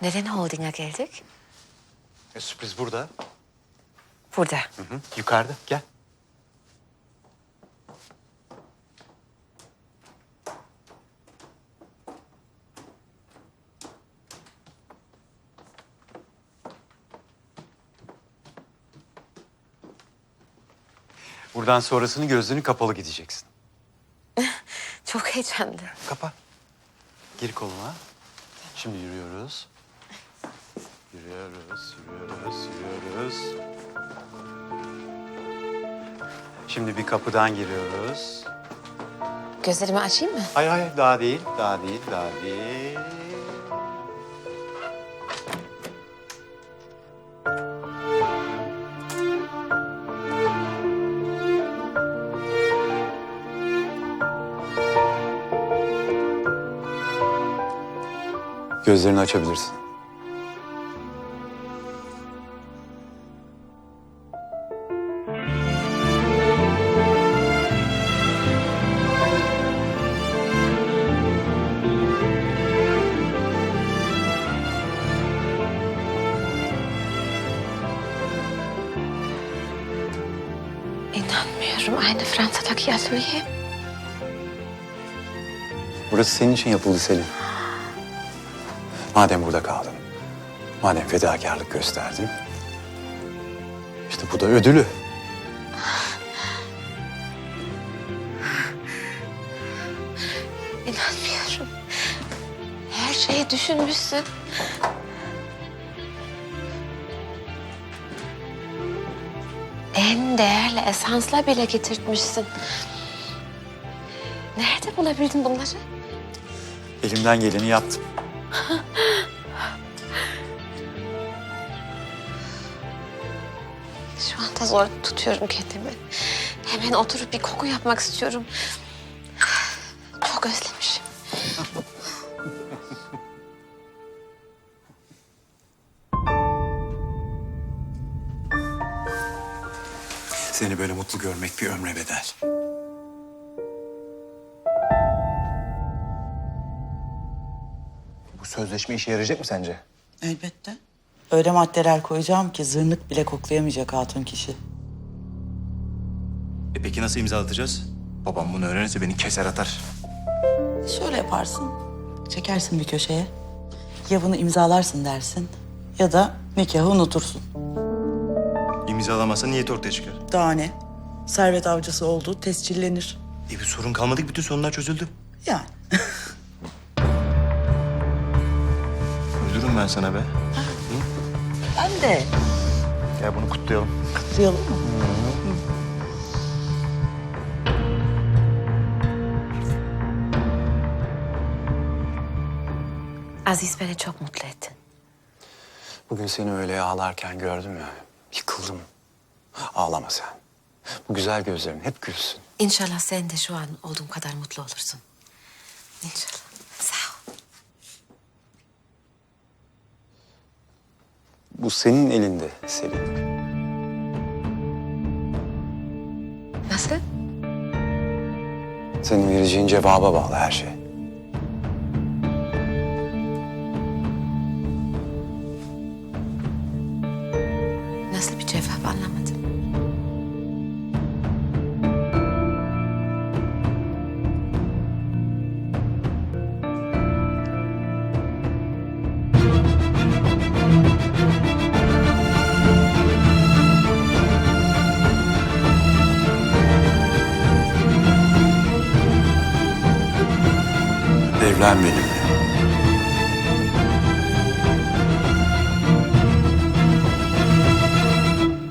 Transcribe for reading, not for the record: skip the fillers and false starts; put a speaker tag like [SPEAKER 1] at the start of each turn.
[SPEAKER 1] Neden holdinga geldik?
[SPEAKER 2] Sürpriz burada.
[SPEAKER 1] Burada.
[SPEAKER 2] Hı, yukarıda. Gel. Buradan sonrasını gözlerini kapalı gideceksin.
[SPEAKER 1] Çok heyecanlı.
[SPEAKER 2] Kapa. Gir koluna. Şimdi yürüyoruz. Yürüyoruz. Şimdi bir kapıdan giriyoruz.
[SPEAKER 1] Gözlerimi açayım mı?
[SPEAKER 2] Hayır, daha değil. Gözlerini açabilirsin.
[SPEAKER 1] İnanmıyorum. Aynı Fransa'daki atölye.
[SPEAKER 2] Burası senin için yapıldı Selin. Madem burada kaldın, madem fedakarlık gösterdin, işte bu da ödülü.
[SPEAKER 1] İnanmıyorum. Her şeyi düşünmüşsün. En değerli esansla bile getirtmişsin. Nerede bulabildin bunları?
[SPEAKER 2] Elimden geleni yaptım.
[SPEAKER 1] Şu anda zor tutuyorum kendimi. Hemen oturup bir koku yapmak istiyorum. Çok özlemişim.
[SPEAKER 2] Seni böyle mutlu görmek bir ömre bedel.
[SPEAKER 3] Bu sözleşme işe yarayacak mı sence?
[SPEAKER 4] Elbette. Öyle maddeler koyacağım ki zırnık bile koklayamayacak hatun kişi.
[SPEAKER 3] Peki nasıl imzalatacağız? Babam bunu öğrenirse beni keser atar.
[SPEAKER 4] Şöyle yaparsın. Çekersin bir köşeye. Ya bunu imzalarsın dersin ya da nikahı unutursun.
[SPEAKER 3] İmzalamazsa niyet ortaya çıkar.
[SPEAKER 4] Daha ne? Servet avcısı olduğu tescillenir.
[SPEAKER 3] Bir sorun kalmadı ki bütün sorunlar çözüldü.
[SPEAKER 4] Yani.
[SPEAKER 3] Öldürürüm ben sana be.
[SPEAKER 4] Ben de.
[SPEAKER 3] Gel bunu kutlayalım.
[SPEAKER 4] Kutlayalım mı?
[SPEAKER 1] Aziz, beni çok mutlu ettin.
[SPEAKER 2] Bugün seni öyle ağlarken gördüm ya, yıkıldım. Ağlama sen. Bu güzel gözlerin hep gülsün.
[SPEAKER 1] İnşallah sen de şu an olduğum kadar mutlu olursun. İnşallah. Sağ ol.
[SPEAKER 2] Bu senin elinde Selin.
[SPEAKER 1] Nasıl?
[SPEAKER 2] Senin vereceğin cevaba bağlı her şey.
[SPEAKER 1] Nasıl bir cevap anlamadım.
[SPEAKER 2] Evlen benimle.